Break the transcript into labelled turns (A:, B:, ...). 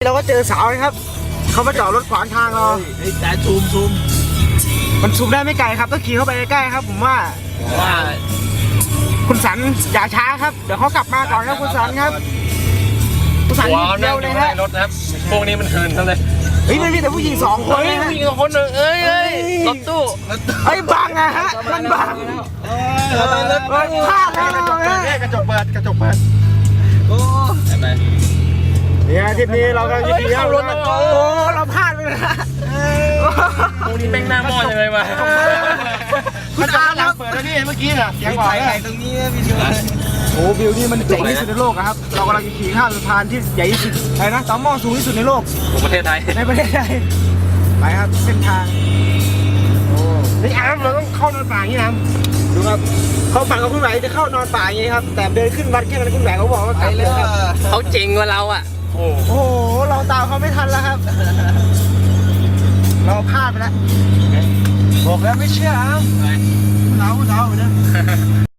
A: เราก็เจอสาวนะครับเขามาจอดรถขวางทางเรา
B: แต่ซูม
A: มันซูมได้ไม่ไกลครับต้องขี่เข้าไปใกล้ๆครับผมว่า
B: ว่า
A: คุณสันอย่าช้าครับเดี๋ยวเขากลับมาก่อนครับคุณสันครับคุณสัน
C: ว้าว
A: เร็
C: นั่ง
A: ว
C: อ
A: เลย
C: ยู่
A: ฮะ
C: ในรถนะครับพวกนี้มันคืนทั้งเลย
A: เฮ้ยมันมีแต่ผู้หญิง2 คน
C: เฮ้ย
A: นะฮะ
C: ผู้หญิงคนหนึ่งเอ้ยรถตู้
A: เฮ้ยบังอะฮะมันบังพลาดแล้วนะ
C: กระจกเปิดโอ้ไป
A: เนี่ยทริปนี้เราก็จะขี่เข้ารถโอ้เราพลาดไปเลยนะ
C: พวกนี้แม่งหน้าหม้อยังไงวะ
A: คุณอาร์ครับ
C: เปิดแล้วนี่เมื่อกี้น่ะเสียงบอก
B: ถ่ายตรงนี้วิดีโอ
A: โอ้วิวนี่มันเจ๋งที่สุดในโลกอะครับเรากำลังจะขี่ข้ามสะพานที่ใหญ่ที่สุดอะไรนะต่อหม้อสูงที่สุดในโลก
C: ของประเทศไทย
A: ในประเทศไทยไปครับเส้นทางโอ้นี่อาร์มเราต้องเข้านอนป่าอย่างนี้นะดูครับเขาฝันกับคุณแหวนจะเข้านอนป่าอย่างนี้ครับแต่เดินขึ้นวัดแค่นั้นคุณแหวนเขาบอกว่ากลับเลยครับ
C: เขาเจ๋งกว่าเราอ่ะโอ้
A: โอ้โหเราตามเขาไม่ทันแล้วครับ เราพลาดไปแล้วบอกแล้วไม่เชื่ออาร์มเราเนี่ย